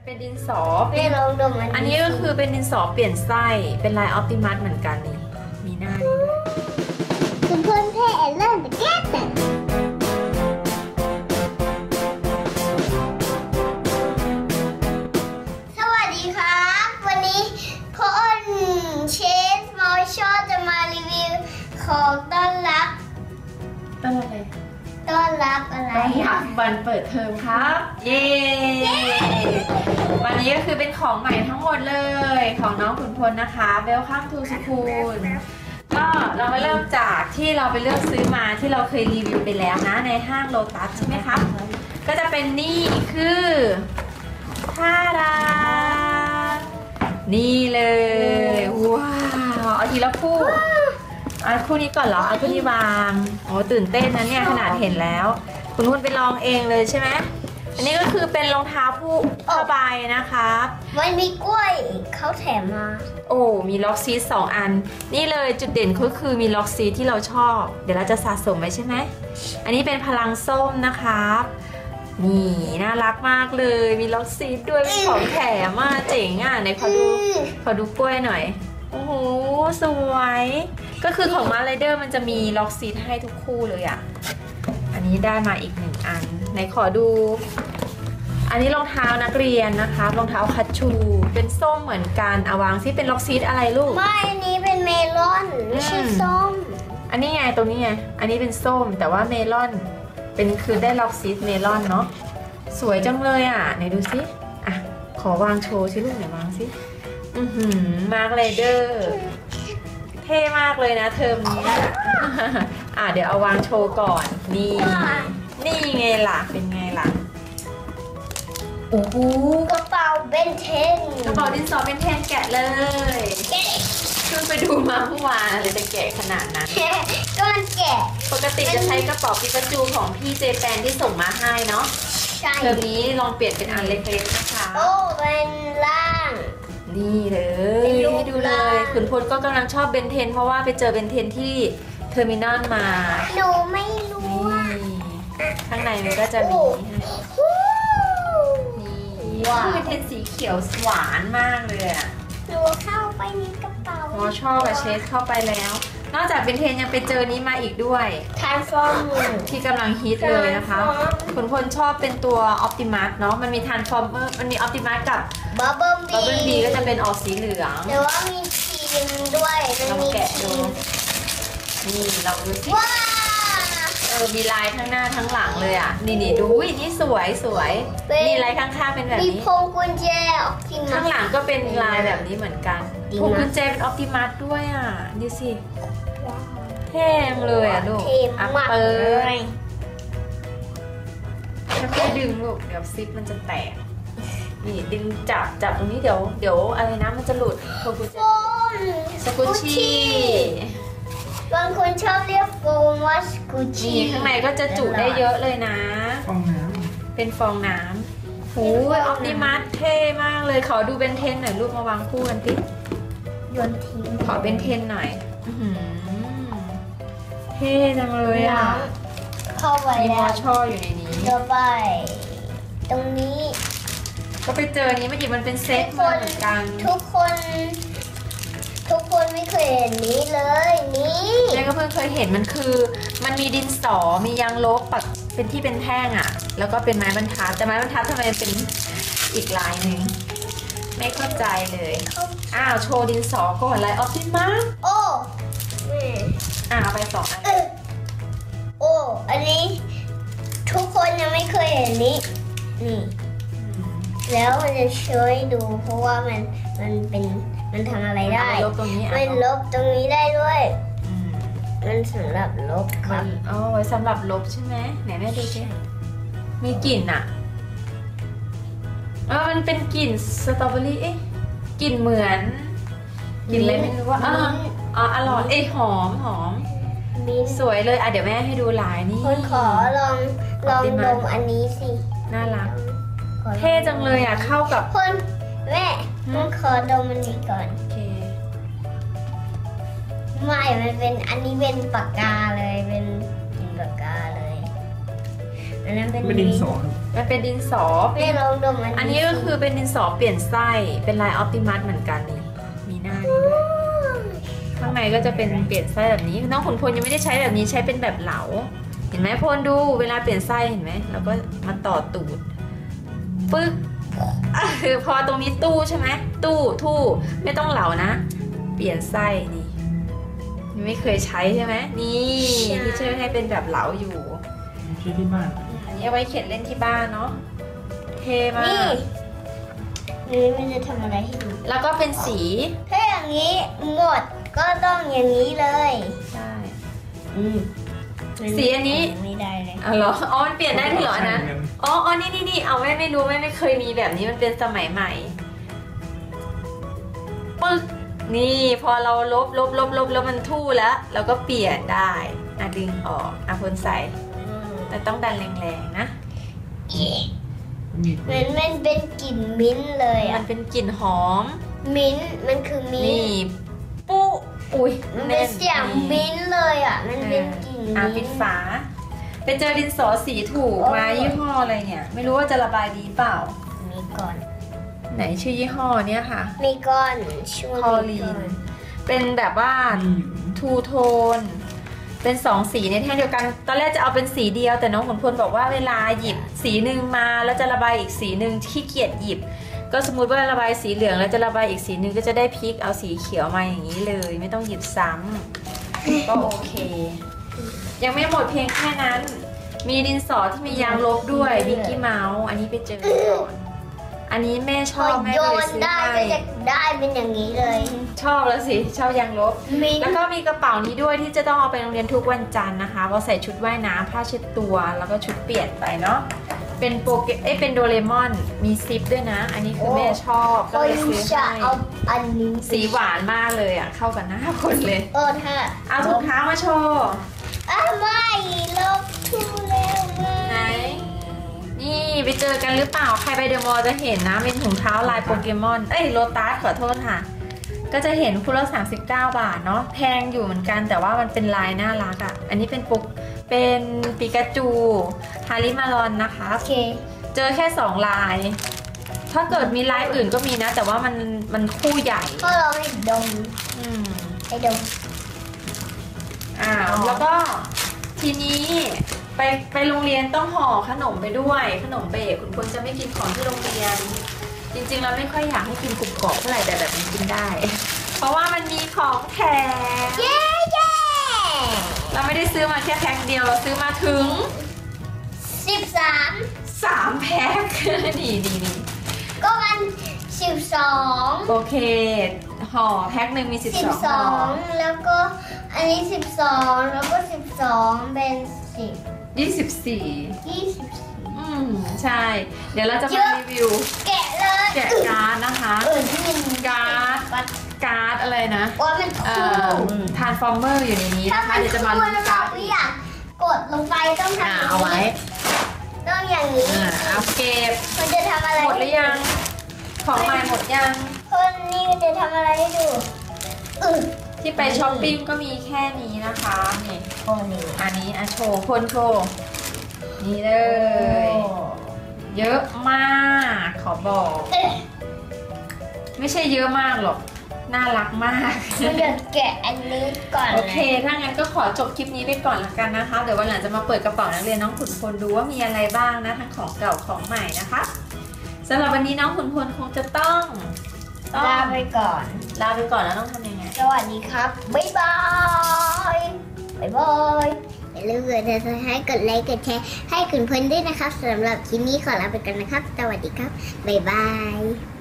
เป็นดินสอไม่ลองดมอันนี้ก็คือเป็นดินสอเปลี่ยนไส้เป็นลายออปติมัสเหมือนกันนี่มีหน้านี้ด้วยคุณเพื่อนเท่เริ่มแก้แต่สวัสดีครับวันนี้พ่ออ้นเชฟมอชอจะมารีวิวของต้อนรับอะไรต้อนรับอะไรวันเปิดเทอมครับเย้วันนี้ก็คือเป็นของใหม่ทั้งหมดเลยของน้องขุนพลนะคะ Welcome to School ก็เรามาเริ่มจากที่เราไปเลือกซื้อมาที่เราเคยรีวิวไปแล้วนะในห้างโลตัสใช่ไหมครับก็จะเป็นนี่คือท่าดานี่เลยว้าวเอาทีละคู่เอาคู่นี้ก่อนเหรอเอาคู่นี้วางโอ้ตื่นเต้นนะเนี่ยขนาดเห็นแล้วคุณไปลองเองเลยใช่ไหมอันนี้ก็คือเป็นรองเท้าผ้าใบนะคะมันมีกล้วยเขาแถมมาโอ้มีล็อกซีท2 อันนี่เลยจุดเด่นก็คือมีล็อกซีทที่เราชอบเดี๋ยวเราจะสะสมไว้ใช่ไหมอันนี้เป็นพลังส้มนะครับนี่น่ารักมากเลยมีล็อกซีทด้วยเป็นของแถมมากเจ๋งอ่ะไหนขอดูกล้วยหน่อยโอ้โหสวยก็คือของมาไรเดอร์มันจะมีล็อกซีทให้ทุกคู่เลยอ่ะอันนี้ได้มาอีก1 อันไหนขอดูอันนี้รองเท้านักเรียนนะคะรองเท้าคัชชูเป็นส้มเหมือนกันเอาวางซิเป็นล็อกซีทอะไรลูกไม่อันนี้เป็นเมลอนไม่ใช่ส้มอันนี้ไงตรงนี้ไงอันนี้เป็นส้มแต่ว่าเมลอนเป็นคือได้ล็อกซีทเมลอนเนาะสวยจังเลยอ่ะไหนดูซิอ่ะขอวางโชว์ซิลูกไหนวางซิมาร์คไรเดอร์เท่มากเลยนะเทอมนี้เดี๋ยวเอาวางโชว์ก่อนนี่ไงล่ะเป็นไงล่ะโอ้โหกระเป๋าเบนเทนกระเป๋าดินสอเบนเทนแกะเลยเพิ่งไปดูมาเมื่อวานเลยจะแกะขนาดนั้นก็มันแกะปกติจะใช้กระเป๋าปิกาจูของพี่เจแปนที่ส่งมาให้เนาะเทอมนี้ลองเปลี่ยนเป็นอันเล็กๆนะคะโอ้เป็นล่างนี่เลยให้ดูเลยขุนพลก็กำลังชอบเบนเทนเพราะว่าไปเจอเบนเทนที่เทอร์มินอลมาหนูไม่รู้ข้างในมันก็จะมีนี่เบนเทนสีเขียวหวานมากเลยอ่ะหนูเข้าไปในกระเป๋าหมอชอบกับเชสเข้าไปแล้วนอกจากเบนเทนยังไปเจอนี้มาอีกด้วยทานฟอร์มที่กำลังฮิตเลยนะคะขุนพลชอบเป็นตัวออปติมัสเนาะมันมีทานฟอร์เมอร์มันมีออปติมัสกับบับเบิ้ลบีก็จะเป็นออกสีเหลืองแต่ว่ามีทีมด้วยลองแกะดูนี่ลองดูสิว้ามีลายทั้งหน้าทั้งหลังเลยอ่ะนี่ดูนี่สวยนี่ลายข้างๆเป็นแบบนี้มีพวงกุญแจข้างหลังก็เป็นลายแบบนี้เหมือนกันพวงกุญแจเป็นออปติมัสด้วยอ่ะดูสิเท่เลยอ่ะลูกอัปเปอร์ค่อยๆดึงลูกเดี๋ยวซิปมันจะแตกนี่ดึงจับตรงนี้เดี๋ยวอะไรนะมันจะหลุดพวงกุญแจสกุชชี่บางคนชอบเรียกโฟมว่าสกูชี่ข้างในก็จะจุได้เยอะเลยนะฟองน้ำเป็นฟองน้ำโอ้ยออปติมัสเท่มากเลยขอดูเบนเทนหน่อยลูกมาวางคู่กันติโยนทิ้งขอเบนเทนหน่อยเท่จังเลยอ่ะเข้าไปมีมอแล้วชออยู่ในนี้ต่อไปตรงนี้ก็ไปเจอนี้เมื่อกี้มันเป็นเซตเหมือนกันทุกคนไม่เคยเห็นนี้เลยนี่แม่ก็เพิ่งเคยเห็นมันมีดินสอมียางลบปักเป็นที่เป็นแท่งอ่ะแล้วก็เป็นไม้บรรทัดแต่ไม้บรรทัดทำไมเป็นอีกลายหนึ่งไม่เข้าใจเลยโชว์ดินสอก่อนลายออปติมัสโอ้เอาไป2 อันโอ้อันนี้ทุกคนยังไม่เคยเห็นนี้นี่แล้วมันจะช่วยดูเพราะว่ามันทำอะไรได้ลบตรงนี้มันลบตรงนี้ได้ด้วยมันสำหรับลบครับไว้สำหรับลบใช่ไหมไหนแม่ดูสิมีกลิ่นอ่ะมันเป็นกลิ่นสตรอเบอรี่กลิ่นเหมือนกลิ่นอะไรไม่รู้ว่าอร่อยหอมสวยเลยเดี๋ยวแม่ให้ดูลายนี่คนขอลองดมอันนี้สิน่ารักเท่จังเลยเข้ากับคนแม่ต้องขอดมอันนี้ก่อนโอเคไม่มันเป็นอันนี้เป็นปากกาเลยเป็นปากกาเลยอันนั้นเป็นดินสอมันเป็นดินสอแม่ลองดมอันนี้ก็คือเป็นดินสอเปลี่ยนไส้เป็นลายออปติมัสเหมือนกันนี่มีหน้านี้ด้วยข้างในก็จะเป็นเปลี่ยนไส้แบบนี้น้องขุนพลยังไม่ได้ใช้แบบนี้ใช้เป็นแบบเหลาเห็นไหมพลดูเวลาเปลี่ยนไส้เห็นไหมเราก็มาต่อตูดปึ๊กคือพอตรงนี้ตู้ใช่ไหมตู้ทู่ไม่ต้องเหลานะเปลี่ยนไส้นี่ไม่เคยใช้ใช่ไหมนี่ที่ช่วยให้เป็นแบบเหลาอยู่ใช้ที่บ้านอันนี้เอาไว้เขียนเล่นที่บ้านเนาะเท่มากนี่มันจะทำอะไรให้ดูแล้วก็เป็นสีถ้าอย่างนี้หมดก็ต้องอย่างนี้เลยใช่มันสีอันนี้ไม่ได้เลยอ๋อเหรออ๋อมันเปลี่ยนได้ด้วยเหรออันนั้นอ๋อนี่เอาแม่ไม่รู้แม่ไม่เคยมีแบบนี้มันเป็นสมัยใหม่ปึ๊กนี่พอเราลบแล้วมันทู่แล้วเราก็เปลี่ยนได้ดึงออกคนใส่แต่ต้องดันแรงๆนะมันเป็นกลิ่นมิ้นท์เลยมัอ่ะนเป็นกลิ่นหอมมิ้นท์มันคือมิ้นนี่ท์ปุ๊อุ้ยมันเป็นเสียงมิ้นท์เลยอ่ะมันเป็นกลิ่นปิมิ้ดนท์ฝาไปเจอดินสอสีถูกมายี่ห้ออะไรเนี่ยไม่รู้ว่าจะระบายดีเปล่ามีก่อนไหนชื่อยี่ห้อเนี่ยค่ะมีก่อนช่วงคอลีน เป็นแบบว่าทูโทนเป็น2 สีในแท่งเดียวกันตอนแรกจะเอาเป็นสีเดียวแต่น้องขุนพลบอกว่าเวลาหยิบสีหนึ่งมาแล้วจะระบายอีกสีหนึ่งขี้เกียจหยิบก็สมมุติว่าระบายสีเหลืองแล้วจะระบายอีกสีหนึ่งก็จะได้พลิกเอาสีเขียวมาอย่างนี้เลยไม่ต้องหยิบซ้ำก็โอเค ยังไม่หมดเพียงแค่นั้น มีดินสอที่มียางลบด้วยมิกกี้เมาส์อันนี้ไปเจอก่อนอันนี้แม่ชพออบแม่โยเลยนซื้อได้ให้ก็จะได้เป็นอย่างนี้เลยชอบแล้วสิชอบยางลบมิ้นแล้วท์ก็มีกระเป๋านี้ด้วยที่จะต้องเอาไปโรงเรียนทุกวันจันทร์นะคะเพราะใส่ชุดว่ายน้ำผ้าเช็ดตัวแล้วก็ชุดเปลี่ยนไปเนาะเป็นเป็นโดเรมอนมีซิปด้วยนะ อันนี้คือแม่ชอบก็ก็เลยยูซื้อจะให้เอาอันนี้สีหวานมากเลยอ่ะเข้ากันหน้าคนเลยถ้าเอาถุงเท้ามาโชว์ไม่ลบทูแล้วไหนนี่ไปเจอกันหรือเปล่าใครไปเดอะมอลล์จะเห็นนะเป็นถุงเท้าลายโปเกมอนโลตัสขอโทษค่ะก็จะเห็นคู่ละ39 บาทเนาะแพงอยู่เหมือนกันแต่ว่ามันเป็นลายน่ารักอ่ะอันนี้เป็นเป็นปิกาจูฮาริมารอนนะคะโอเคเจอแค่2 ลาย ถ้าเกิดมีลายอื่นก็มีนะ แต่ว่ามันคู่ใหญ่ก็ลองให้ดมอืมให้ดมแล้วก็ทีนี้ไปโรงเรียนต้องห่อขนมไปด้วยขนมเบรกคุณพลจะไม่กินของที่โรงเรียน จริงๆเราไม่ค่อยอยากให้กินกรุบกรอบเท่าไหร่แต่แบบนี้กินได้ เพราะว่ามันมีของแถมเย้เย้เราไม่ได้ซื้อมาแค่แพ็คเดียวเราซื้อมาถึง 13 3 แพ็ค ดีก็มัน12 โอเคห่อแพ็คหนึ่งมี12ห่อ 12แล้วก็อันนี้12แล้วก็12เป็น 24 24 ใช่ เดี๋ยวเราจะเยมาอะรีวิวแกะเลยแกะการ์ดนะคะที่มันการ์ดอะไรนะว่ามันคู่ทานฟอร์เมอร์อยู่ในนี้ถ้านะคะมันเดี๋ยวจะมาคู่ลุ้นแล้วกาเราร์ดไม่อยากกดลงไปต้องทำอย่างเอาไว้นี้ต้องอย่างนี้เอาเก็บมันจะทำอะไรหมดหรือยัง ของใหม่หมดยังคนนี้จะทำอะไรให้ดูที่ไปช้อปปิ้งก็มีแค่นี้นะคะนี่คนนี้อันนี้โชว์คนโชว์นี่เลย เยอะมากขอบอก ไม่ใช่เยอะมากหรอก น่ารักมากมันจะแกะอันนี้ก่อนโอเค ถ้างั้นก็ขอจบคลิปนี้ไปก่อนละกันนะคะ เดี๋ยววันหลังจะมาเปิดกระเป๋านักเรียนน้องขุนพลดูว่ามีอะไรบ้างนะทั้งของเก่าของใหม่นะคะสำหรับวันนี้น้องขุนพลคงจะต้องลาไปก่อนลาไปก่อนแล้วต้องทำยังไงสวัสดีครับ บ๊ายบาย บ๊ายบาย อย่าลืมกดติดตามให้กดไลค์กดแชร์ให้คุณเพื่อนด้วยนะครับสำหรับคลิปนี้ขอลาไปก่อนนะครับ สวัสดีครับ บ๊ายบาย